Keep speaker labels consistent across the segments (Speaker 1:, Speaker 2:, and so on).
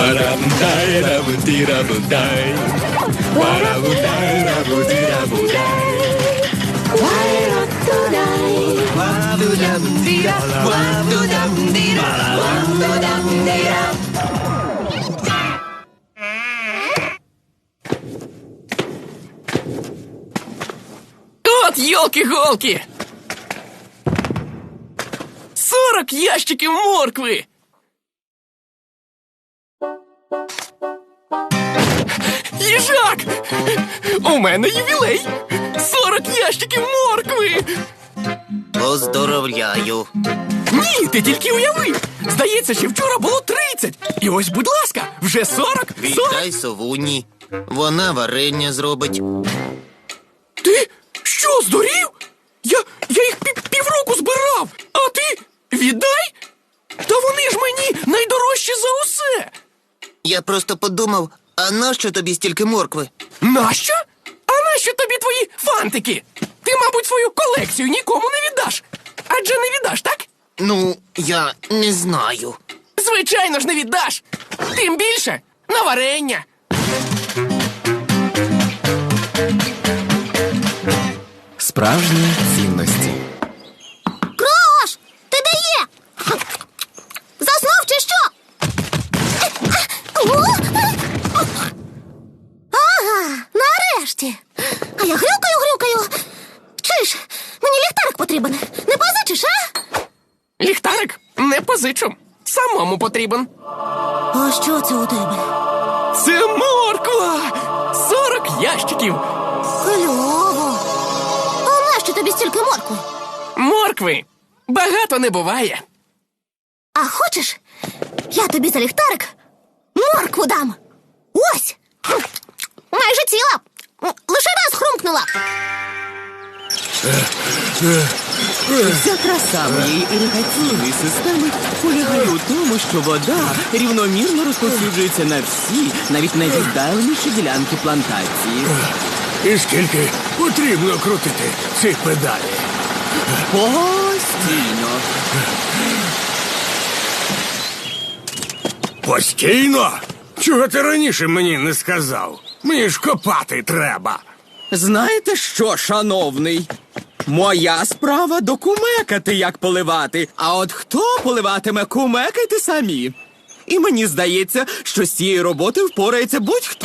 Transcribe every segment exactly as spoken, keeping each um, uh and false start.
Speaker 1: Варабудай-рабуди-рабудай. Варабудай-рабуди-рабудай.
Speaker 2: От ёлки-голки! Сорок ящиків моркви! Їжак! У мене ювілей! Сорок ящиків моркви!
Speaker 3: Поздоровляю.
Speaker 2: Ні, ти тільки уяви! Здається, що вчора було тридцять. І ось, будь ласка, вже сорок.
Speaker 3: Вітай совуні. Вона варення зробить.
Speaker 2: Ти що, здурів? Я, я їх пів, півроку збирав, а ти віддай? Та вони ж мені найдорожчі за усе.
Speaker 3: Я просто подумав, а нащо тобі стільки моркви?
Speaker 2: Нащо? А нащо тобі твої фантики? Ти, мабуть, свою колекцію нікому не віддаш. Адже не віддаш, так?
Speaker 3: Ну, я не знаю.
Speaker 2: Звичайно ж не віддаш. Тим більше на варення.
Speaker 4: Справжні цінності.
Speaker 5: Крош! Ти де є? Заснув чи що? Ага, нарешті. А я грюкаю-грюкаю. Чуєш, мені ліхтарик потрібен. Не позичиш, а?
Speaker 2: Ліхтарик не позичу. Самому потрібен.
Speaker 5: А що це у тебе?
Speaker 2: Це морква! Сорок ящиків.
Speaker 5: Кльово. А нащо тобі стільки моркви?
Speaker 2: Моркви багато не буває.
Speaker 5: А хочеш, я тобі за ліхтарик моркву дам. Ось. Майже ціла. Лише раз хрумкнула.
Speaker 6: Вся краса моєї іригаційної системи полягає у тому, що вода рівномірно розповсюджується на всі, навіть найвіддаленіші ділянки плантації.
Speaker 1: І скільки потрібно крутити ці педалі?
Speaker 6: Постійно.
Speaker 1: Постійно? Чого ти раніше мені не сказав? Мені ж копати треба.
Speaker 6: Знаєте що, шановний? Моя справа докумекати, як поливати. А от хто поливатиме, кумекайте самі. І мені здається, що з цієї роботи впорається будь-хто.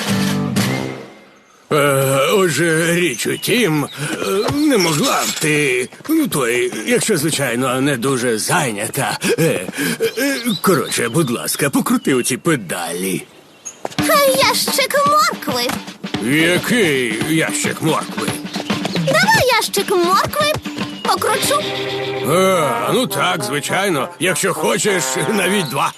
Speaker 1: Е, отже, річ у тім, е, не могла б ти, ну той, якщо, звичайно, не дуже зайнята. Е, е, коротше, будь ласка, покрути оці педалі.
Speaker 5: Хай ящик моркви.
Speaker 1: Який ящик моркви?
Speaker 5: Давай ящик моркви покручу.
Speaker 1: А, ну так, звичайно, якщо хочеш, навіть два.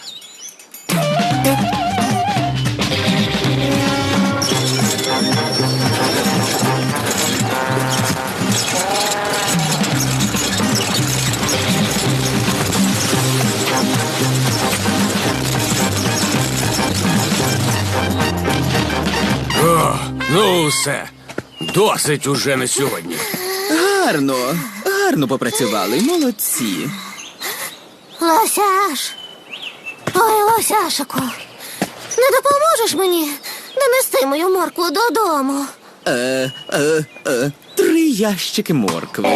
Speaker 1: О, ну все, досить уже на сьогодні.
Speaker 6: Гарно, гарно попрацювали, молодці.
Speaker 5: Лосяш. Ой, Лосяшику. Не допоможеш мені донести мою моркву додому?
Speaker 6: Е, е, е, три ящики моркви.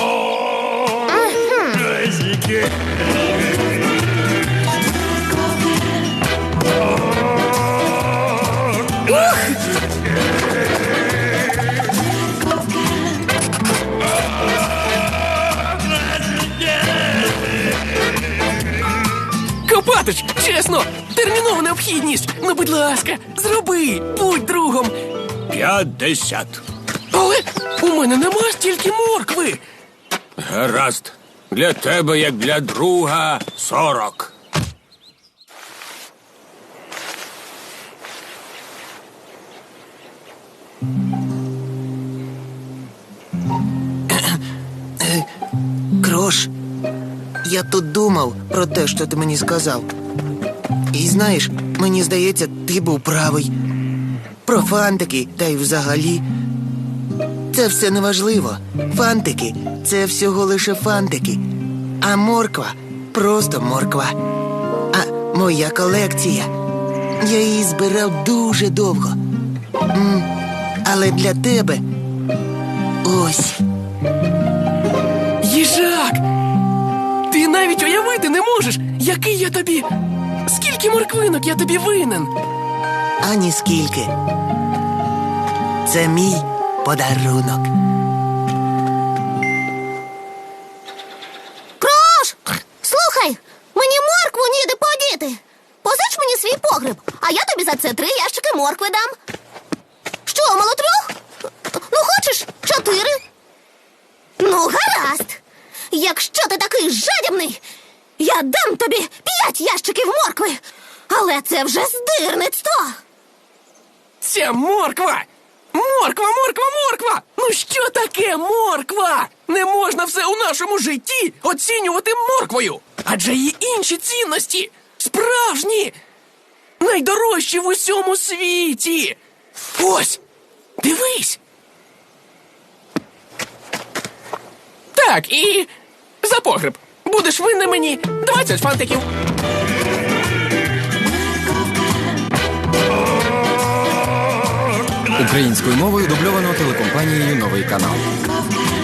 Speaker 2: Копатич, чесно, термінова необхідність. Ну, будь ласка, зроби, будь другом.
Speaker 1: П'ятдесят.
Speaker 2: Але у мене нема стільки моркви.
Speaker 1: Гаразд. Для тебе, як для друга, сорок.
Speaker 3: Крош, я тут думав про те, що ти мені сказав. І знаєш, мені здається, ти був правий. Про фантики, та й взагалі. Це все неважливо. Фантики – це всього лише фантики. А морква – просто морква. А моя колекція Я її збирав дуже довго. М, Але для тебе ось.
Speaker 2: Їжак! Ти навіть уявити не можеш, який я тобі. Скільки морквинок я тобі винен.
Speaker 3: Ані скільки. Це мій подарунок.
Speaker 5: Крош! Слухай, мені моркву ніде подіти. Позич мені свій погреб, а я тобі за це три ящики моркви дам. Що, мало трьох? Ну, хочеш, чотири? Ну, гаразд. Якщо ти такий жадібний, я дам тобі п'ять ящиків моркви. Але це вже здирництво.
Speaker 2: Ця морква! Морква, морква, морква! Ну що таке морква? Не можна все у нашому житті оцінювати морквою. Адже є інші цінності. Справжні. Найдорожчі в усьому світі. Ось, дивись. Так, і за погреб. Будеш винен мені двадцять фантиків.
Speaker 4: Українською мовою дубльовано телекомпанією «Новий канал».